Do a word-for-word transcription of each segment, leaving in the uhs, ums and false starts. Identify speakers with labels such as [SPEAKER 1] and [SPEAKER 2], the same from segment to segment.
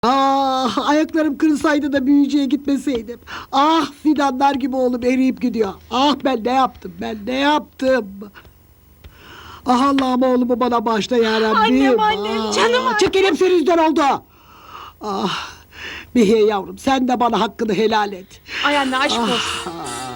[SPEAKER 1] Ah, ayaklarım kırılsaydı da büyücüye gitmeseydim. Ah, fidanlar gibi oğlum eriyip gidiyor. Ah, ben ne yaptım, ben ne yaptım? Ah, Allah'ım oğlumu bana bağışla yarabbim.
[SPEAKER 2] Annem, annem,
[SPEAKER 1] Ah,
[SPEAKER 2] canım annem.
[SPEAKER 1] Çekelim senin yüzünden oldu. Ah, Behiye yavrum, sen de bana hakkını helal et.
[SPEAKER 2] Ay anne aşk
[SPEAKER 1] Ah,
[SPEAKER 2] olsun.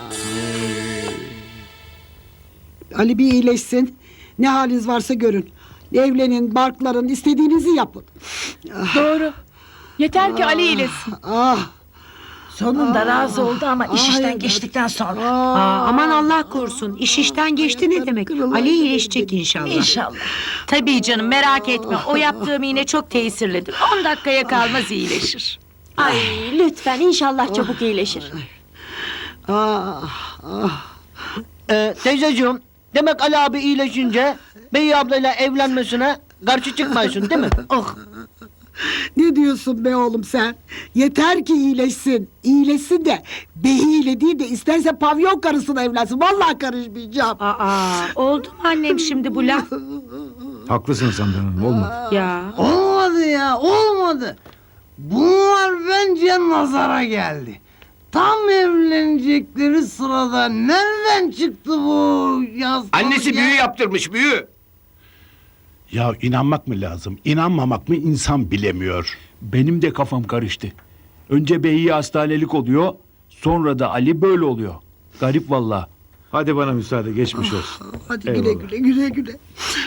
[SPEAKER 1] Ali bir iyileşsin. Ne haliniz varsa görün. Evlenin, barkların, istediğinizi yapın.
[SPEAKER 2] Doğru. Yeter ki Ali iyileşsin.
[SPEAKER 1] Ah,
[SPEAKER 3] Sonunda razı oldu ama iş
[SPEAKER 1] Ay,
[SPEAKER 3] işten
[SPEAKER 1] evet.
[SPEAKER 3] geçtikten sonra.
[SPEAKER 4] Aa, aman Allah korusun. İş işten geçti ne demek? Ali iyileşecek inşallah.
[SPEAKER 3] İnşallah.
[SPEAKER 5] Tabii canım, merak etme. O yaptığım iğne çok tesirlidir. On dakikaya kalmaz iyileşir.
[SPEAKER 2] Ay lütfen inşallah çabuk iyileşir.
[SPEAKER 1] ah, ah.
[SPEAKER 6] Ee, teyzeciğim, demek Ali abi iyileşince Bey ablayla evlenmesine karşı çıkmıyorsun değil mi? Oh.
[SPEAKER 1] Ne diyorsun be oğlum sen? Yeter ki iyileşsin. İyileşsin de behiyle değil de isterse pavyon karısına evlensin. Vallahi karışmayacağım.
[SPEAKER 5] Aa, oldu mu annem şimdi bu laf?
[SPEAKER 7] Haklısın Sandan Hanım, olmadı.
[SPEAKER 5] Ya.
[SPEAKER 8] Olmadı ya, olmadı. Bunlar bence nazara geldi. Tam evlenecekleri sırada nereden çıktı bu yaz?
[SPEAKER 9] Annesi büyü yaptırmış, büyü.
[SPEAKER 7] Ya inanmak mı lazım, inanmamak mı insan bilemiyor. Benim de kafam karıştı. Önce Beyi hastanelik oluyor, sonra da Ali böyle oluyor. Garip vallahi. Hadi bana müsaade, geçmiş olsun.
[SPEAKER 1] Hadi
[SPEAKER 7] Eyvallah.
[SPEAKER 1] güle güle güle güle.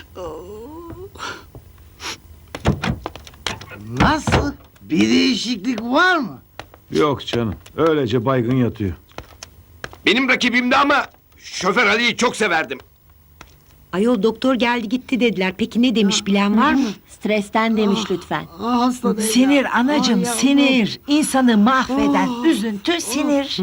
[SPEAKER 8] Nasıl? Bir değişiklik var mı?
[SPEAKER 7] Yok canım, öylece baygın yatıyor.
[SPEAKER 9] Benim rakibimdi ama şoför Ali'yi çok severdim.
[SPEAKER 4] Ayol doktor geldi gitti dediler. Peki ne demiş bilen var mı?
[SPEAKER 2] Stresten demiş lütfen.
[SPEAKER 1] Ah hasta değil
[SPEAKER 3] Sinir
[SPEAKER 1] ya.
[SPEAKER 3] anacığım,
[SPEAKER 1] Ah yavrum.
[SPEAKER 3] sinir. İnsanı mahveden üzüntü, sinir.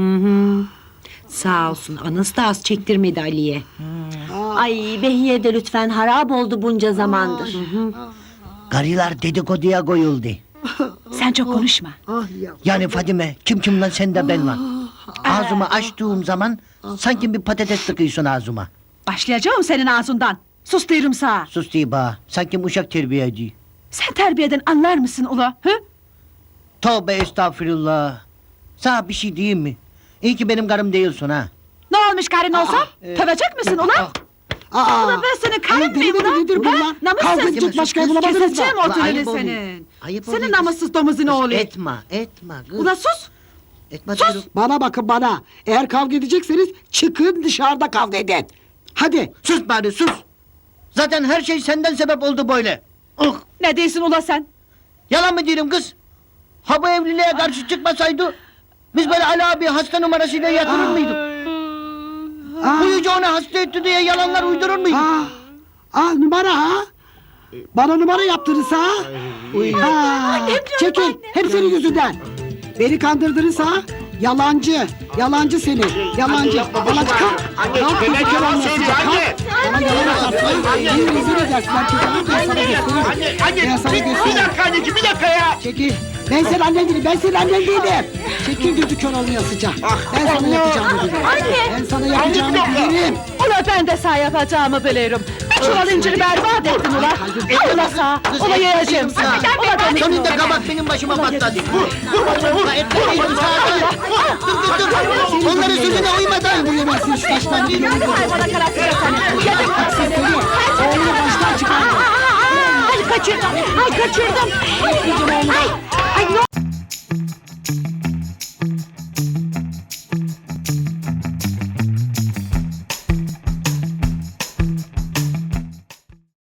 [SPEAKER 4] Sağ olsun. Anası da az çektirmedi Ali'ye.
[SPEAKER 2] Ay Behiye de lütfen harap oldu bunca zamandır.
[SPEAKER 6] Karılar dedikoduya koyuldu.
[SPEAKER 3] Sen çok konuşma.
[SPEAKER 1] Ah yavrum.
[SPEAKER 6] Yani Fadime, kim kim lan sen de ben var. Ağzımı açtığım zaman sanki bir patates tıkıyorsun ağzıma.
[SPEAKER 3] Başlayacağım senin ağzından. Sus diyorum sana.
[SPEAKER 6] Sus diye bağ, sanki uşak terbiyeci.
[SPEAKER 3] Sen terbiyeden anlar mısın ula? Hı?
[SPEAKER 6] Tövbe estağfurullah. Sana bir şey diyeyim mi? İyi ki benim karım değilsin ha.
[SPEAKER 3] Ne olmuş karın olsam? Tövecek misin ula?
[SPEAKER 1] Aa,
[SPEAKER 3] Ulan ben senin karın
[SPEAKER 1] ay, deli
[SPEAKER 3] mıyım
[SPEAKER 1] midir,
[SPEAKER 3] ulan?
[SPEAKER 1] nedir bu
[SPEAKER 3] Ha?
[SPEAKER 1] lan?
[SPEAKER 3] Namussuz.
[SPEAKER 1] Kavga edecek başka ev bulamadınız mı?
[SPEAKER 3] Keseceğim o
[SPEAKER 6] Ulan
[SPEAKER 3] dilini
[SPEAKER 6] ayıp oluyor.
[SPEAKER 3] senin.
[SPEAKER 6] Ayıp
[SPEAKER 3] Senin
[SPEAKER 6] oluyor.
[SPEAKER 3] namussuz domuzun oğlu.
[SPEAKER 6] Etme, etme kız.
[SPEAKER 3] Ula sus.
[SPEAKER 6] Etme diyorum.
[SPEAKER 1] Bana bakın bana. Eğer kavga edecekseniz çıkın dışarıda kavga edin. Hadi.
[SPEAKER 6] Sus bari sus. Zaten her şey senden sebep oldu böyle. Oh.
[SPEAKER 3] Ne diyorsun ula sen?
[SPEAKER 6] Yalan mı diyorum kız? Ha bu evliliğe karşı çıkmasaydı biz böyle Ali abi hasta numarasıyla yatırır mıydık?
[SPEAKER 1] Aa,
[SPEAKER 6] Uyucu onu hasta etti diye yalanlar uydurur muyduk?
[SPEAKER 1] aa, aa, numara ha? Bana numara yaptınız ha? Ha, çekil. Hep senin yüzünden. Beni kandırdınız ha? Yalancı. Yalancı seni. Yalancı. Yalancı. Kalk. Kalk.
[SPEAKER 9] Neden
[SPEAKER 1] Kalk.
[SPEAKER 9] yalan
[SPEAKER 1] Kalk.
[SPEAKER 9] söylüyor anne?
[SPEAKER 1] Bana yalan atarsın. Beni rezil edersin. Ben çekil. Ben sana gösteririm.
[SPEAKER 9] Anne, anne,
[SPEAKER 1] Ben sana
[SPEAKER 9] bir, bir
[SPEAKER 1] gösteririm.
[SPEAKER 9] dakika anneciğim, bir dakika ya.
[SPEAKER 1] Çekil. Ben senin annen değilim. Ben senin annen değilim. Çekil gözü kör olmayasıca. Ben sana yapacağımı bilirim. Ben sana yapacağımı bilirim.
[SPEAKER 3] Ula ben de sağ yapacağımı bilirim. Bir çuval inciri berbat ettin ula. Al ula sağ. Ula yiyeceğim sana. Ula beni.
[SPEAKER 6] Sonunda kabak benim başıma patladı. Onların sözüne uymadan.
[SPEAKER 1] Bu yemezsin şu taştan. Bir yolu
[SPEAKER 3] Ay bana karakter seni. Yedim bak seni.
[SPEAKER 1] Oğlunu baştan çıkardı.
[SPEAKER 3] Ay kaçırdım. Ay kaçırdım. Ay.